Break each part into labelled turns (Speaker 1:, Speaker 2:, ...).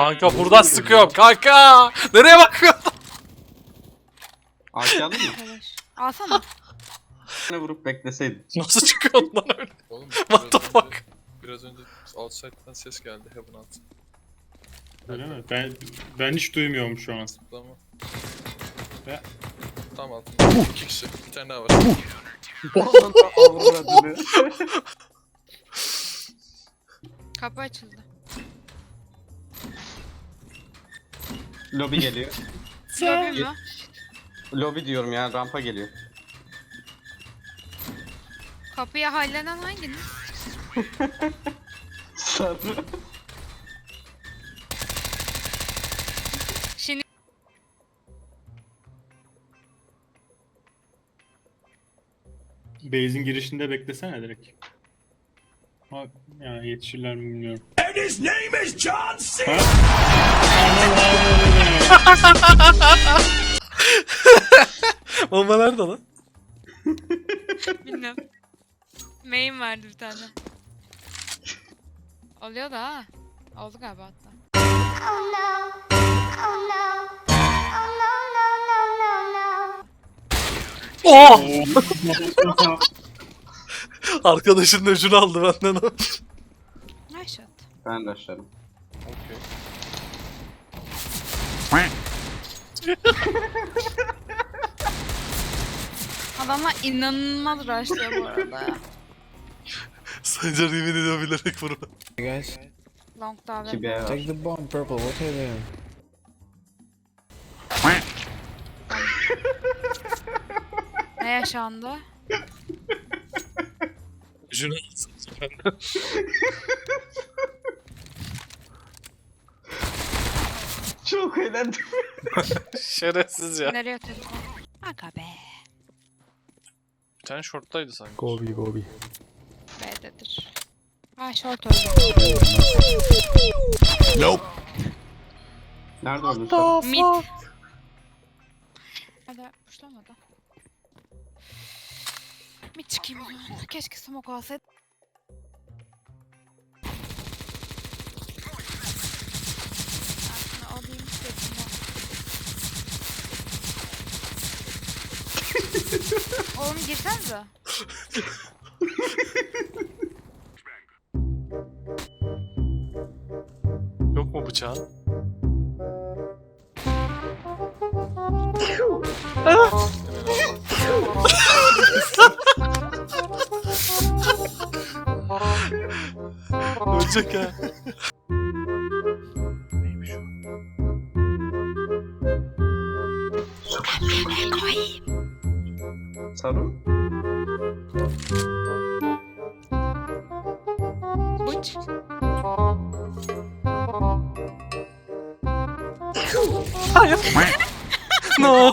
Speaker 1: Kanka buradan sıkıyorum kanka. Nereye bakıyorsun?
Speaker 2: Aşağıda mı?
Speaker 3: Arkadaş. Alsana.
Speaker 2: Ne vurup bekleseydin.
Speaker 1: Nasıl çıkıyorsun lan öyle?
Speaker 4: Oğlum
Speaker 1: What the fuck?
Speaker 4: Biraz önce outside'den ses geldi Heaven alt.
Speaker 5: Öyle mi? Ben hiç duymuyorum şu an.
Speaker 4: Zıplama.
Speaker 5: Ve-
Speaker 4: Tam altında. 2 kişi. Bir tane daha var.
Speaker 3: Kapı açıldı.
Speaker 2: Lobi geliyor.
Speaker 3: Lobi mi?
Speaker 2: Lobi diyorum ya, rampa geliyor.
Speaker 3: Kapıya hallenen hanginiz?
Speaker 2: Sarı.
Speaker 3: Şimdi
Speaker 5: Base'in girişinde beklesene direkt. Ha, ya yetişirler mi bilmiyorum.
Speaker 1: Bomba nerede lan?
Speaker 3: bilmiyorum. Main verdi bir tane. Oluyor da ha. Oldu galiba hatta.
Speaker 6: Oh no. Oh no. Oh no, no, no, no, no.
Speaker 1: Oh! Arkadaşının öcünü aldı benden o.
Speaker 3: Nice shot.
Speaker 2: Ben de aşağıdım.
Speaker 4: Okey.
Speaker 3: Adamlar inanılmaz rushlıyor bu arada ya.
Speaker 1: Sancar yemin ediyor bilerek vurma.
Speaker 7: Guys,
Speaker 3: Long daha
Speaker 2: İki B var.
Speaker 7: take the bomb, purple. What are they?
Speaker 3: Ne yaşandı?
Speaker 1: Öcünü alsın benden.
Speaker 2: Çok eğlendim.
Speaker 1: Şerefsiz ya.
Speaker 3: Nereye atıyorduk? Aga be.
Speaker 1: Bir tane shorttaydı sanki.
Speaker 7: Gobi.
Speaker 3: B'dedir. Ha short öldü.
Speaker 2: Nerede öldün sen?
Speaker 3: Mid. Hadi puşlamadı. Mid çıkayım o zaman. Keşke smoke olsaydı. Aslında alayım istedim ya. Oğlum girsenize.
Speaker 1: Yok mu bıçağın? Ölecek ha. Neymiş o?
Speaker 2: Sarı.
Speaker 3: Bıç.
Speaker 1: Hayır. No.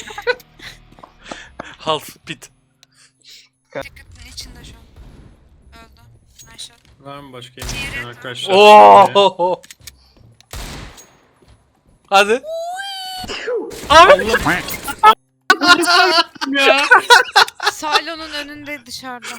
Speaker 1: Half pit.
Speaker 3: Ticket'ın içinde şu an. Öldü. Nice shot.
Speaker 5: Var mı başka yemek arkadaşlar?
Speaker 1: Oo. Hadi. Abi.
Speaker 3: Silo'nun önünde dışarıda.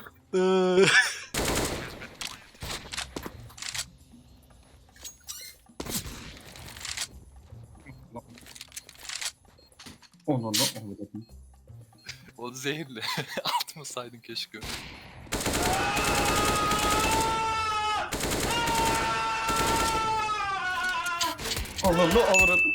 Speaker 2: Onu dedim.
Speaker 4: O zehirli. Atmasaydın keşke.
Speaker 2: Onu avradım.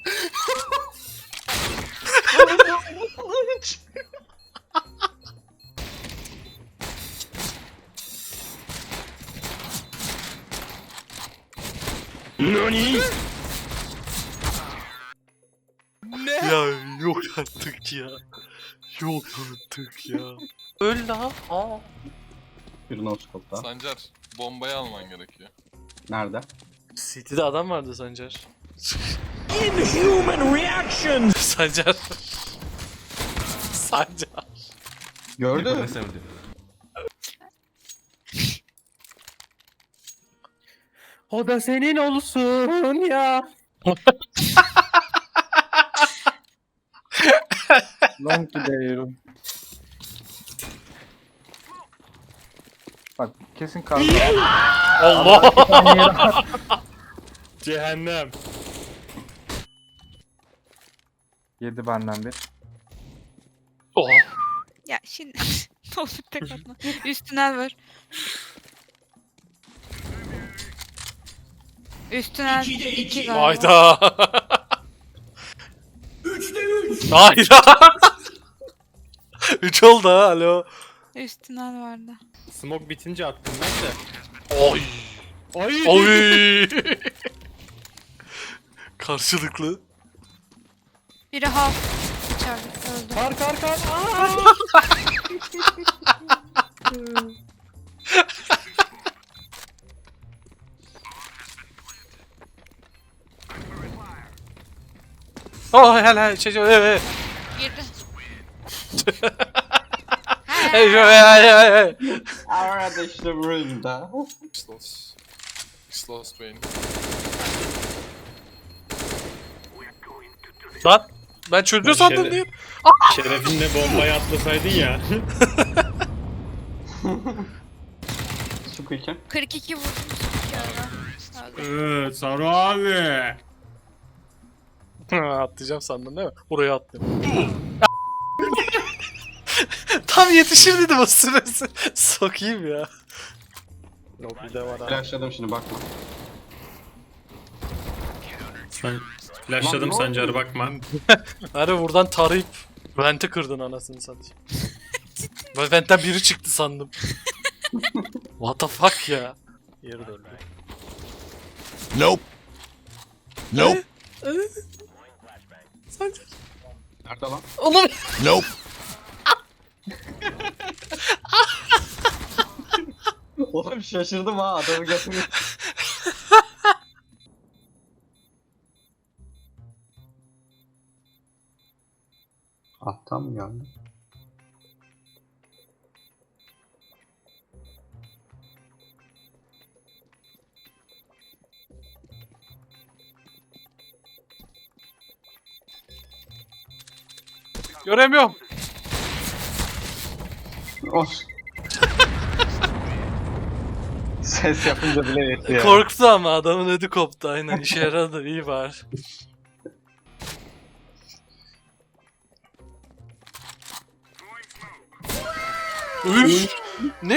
Speaker 1: Ya yok artık ya. Yok artık ya. Öl lan. Aa.
Speaker 2: Bir no-scope'da.
Speaker 4: Sancar, bombayı alman gerekiyor.
Speaker 2: Nerede?
Speaker 1: City'de adam vardı Sancar. Inhuman reaction. Sancar. Sancar.
Speaker 2: Gördün mü?
Speaker 7: O da senin olsun ya. Long gidiyorum. Bak kesin kaldı.
Speaker 1: Allah.
Speaker 5: Cehennem.
Speaker 7: Yedi benden bir.
Speaker 1: Oha.
Speaker 3: Ya şimdi ne olur tek atma. Üst tünel var. Üst tünel 2 galiba.
Speaker 1: Hayda. 3'te 3. Hayda. 3 oldu ha, alo.
Speaker 3: Üst tünel vardı.
Speaker 5: Smoke bitince attım ben de.
Speaker 1: Oy.
Speaker 5: Ay.
Speaker 1: Oy. Karşılıklı.
Speaker 3: Biri half içeride öldü.
Speaker 7: Kar kar kar.
Speaker 1: Oh helal şey.
Speaker 3: Girdi.
Speaker 2: Arada işte burada.
Speaker 4: Slows. Slows Bane.
Speaker 1: Lan ben çözdü sandım diye.
Speaker 5: Şerefinle bombayı atlasaydın ya.
Speaker 2: Su kıyken.
Speaker 3: 42 vurdum. 42 arada. Öldü.
Speaker 5: Saru abi.
Speaker 1: Atlayacağım sandın değil mi? Buraya attım. Tam yetişir dedim o süresi. Sokayım ya. Lobby'de var abi.
Speaker 2: Flashladım şimdi bakma.
Speaker 5: Sen
Speaker 2: Lan
Speaker 5: flashladım
Speaker 2: ne
Speaker 5: Sancar'a
Speaker 2: oldu?
Speaker 5: bakma.
Speaker 1: Hani buradan tarayıp vente kırdın anasını satayım. Ben ventten biri çıktı sandım. What the fuck ya? Yeri döndü.
Speaker 8: Nope. Nope.
Speaker 1: Sancar.
Speaker 2: Nerede lan?
Speaker 1: Oğlum.
Speaker 8: Nope.
Speaker 2: Oğlum şaşırdım ha adamı getirmiş. Alttan mı geldi?
Speaker 1: Göremiyorum.
Speaker 2: Of. Ses yapınca bile yetiyor.
Speaker 1: Korktu ama adamın ödü koptu aynen. İşe yaradı iyi var. Üf. Ne?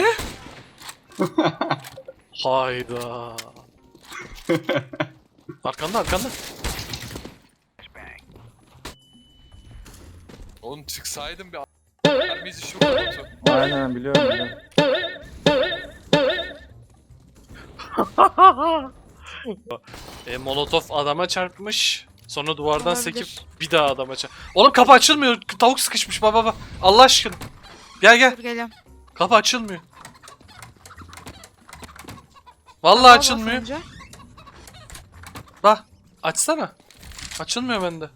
Speaker 1: Hayda. Arkanda arkanda.
Speaker 4: Oğlum çıksaydım bir a**lar bizi şu kadar.
Speaker 7: Aynen biliyorum.
Speaker 1: Molotof adama çarpmış. Sonra duvardan
Speaker 3: Olabilir.
Speaker 1: sekip bir daha adama çarp. Oğlum kapı açılmıyor. Tavuk sıkışmış baba. Allah aşkına. Gel gel.
Speaker 3: Dur geliyorum.
Speaker 1: Kapı açılmıyor. Vallahi
Speaker 3: Baba
Speaker 1: açılmıyor.
Speaker 3: basınca.
Speaker 1: Bak açsana. Açılmıyor bende.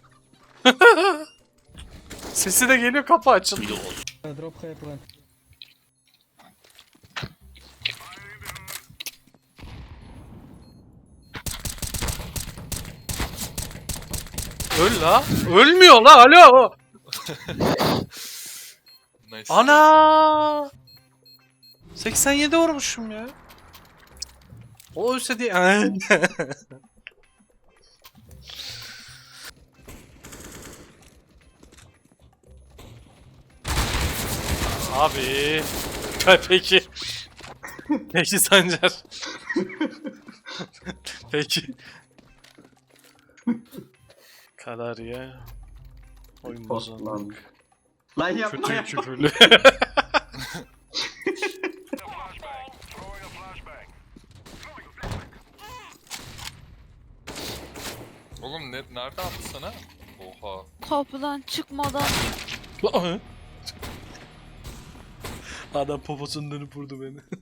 Speaker 1: Sesi de geliyor kapı açılmıyor.
Speaker 7: Drop high plan.
Speaker 1: Öl la. Ölmüyor la alo.
Speaker 4: Nice.
Speaker 1: Ana. 87 vurmuşum ya. O ölse diye. Abi. Peki. Peki Sancar. Peki. Kadar ya. Oyun
Speaker 2: Post lan.
Speaker 1: bozanlık.
Speaker 2: Lan yapma
Speaker 1: Kötü
Speaker 2: ya.
Speaker 1: küfürlü.
Speaker 4: Oğlum nerede attı sana? Oha.
Speaker 3: Kapıdan çıkmadan.
Speaker 1: Adam poposundan dönüp vurdu beni.